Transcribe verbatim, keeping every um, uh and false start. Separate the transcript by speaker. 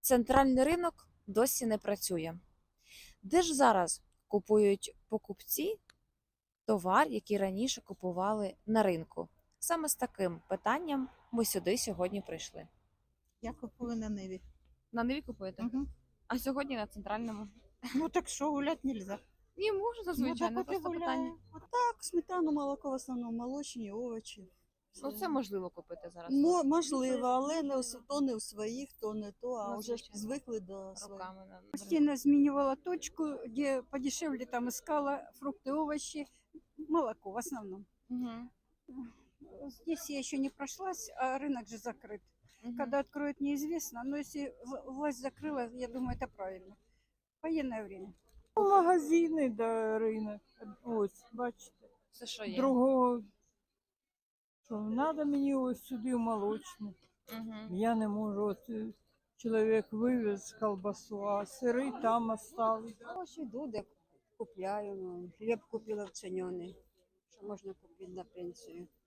Speaker 1: Центральний ринок досі не працює. Де ж зараз купують покупці товар, який раніше купували на ринку? Саме з таким питанням ми сюди сьогодні прийшли.
Speaker 2: Я купую на Ниві.
Speaker 1: На Ниві купуєте?
Speaker 2: Угу.
Speaker 1: А сьогодні на центральному?
Speaker 2: Ну так що, гуляти нельзя.
Speaker 1: Ні, можна, звичайно,
Speaker 2: ну, так от і
Speaker 1: просто
Speaker 2: гуляю.
Speaker 1: питання.
Speaker 2: Так, сметану, молоко в основному, молочні, овочі.
Speaker 1: Ну, це можливо купити зараз.
Speaker 2: Мо- можливо, але не у с- то не у своїх, то не то, а
Speaker 1: Ну,
Speaker 2: вже ж
Speaker 1: звичайно.
Speaker 2: звикли до своїх.
Speaker 1: Руками. на-
Speaker 3: Постійно змінювала точку, где подешевле там искала фрукты, овощи, молоко в основном.
Speaker 1: Мгм.
Speaker 3: Здесь я еще не прошлась, а рынок же закрыт.
Speaker 1: Мгм.
Speaker 3: Когда откроют, неизвестно, но если в- власть закрыла, я думаю, это правильно. Военное время.
Speaker 4: Магазини да ринок. Ось, бачите.
Speaker 1: Все, що є.
Speaker 4: Другого, що треба мені ось сюди в молочне.
Speaker 1: Мгм.
Speaker 4: Я не можу. От е, чоловік вивез колбасу, а сири там остались.
Speaker 5: Ось іду, де купляю. Ну, хліб купила вцінений, що можна купити на пенсію.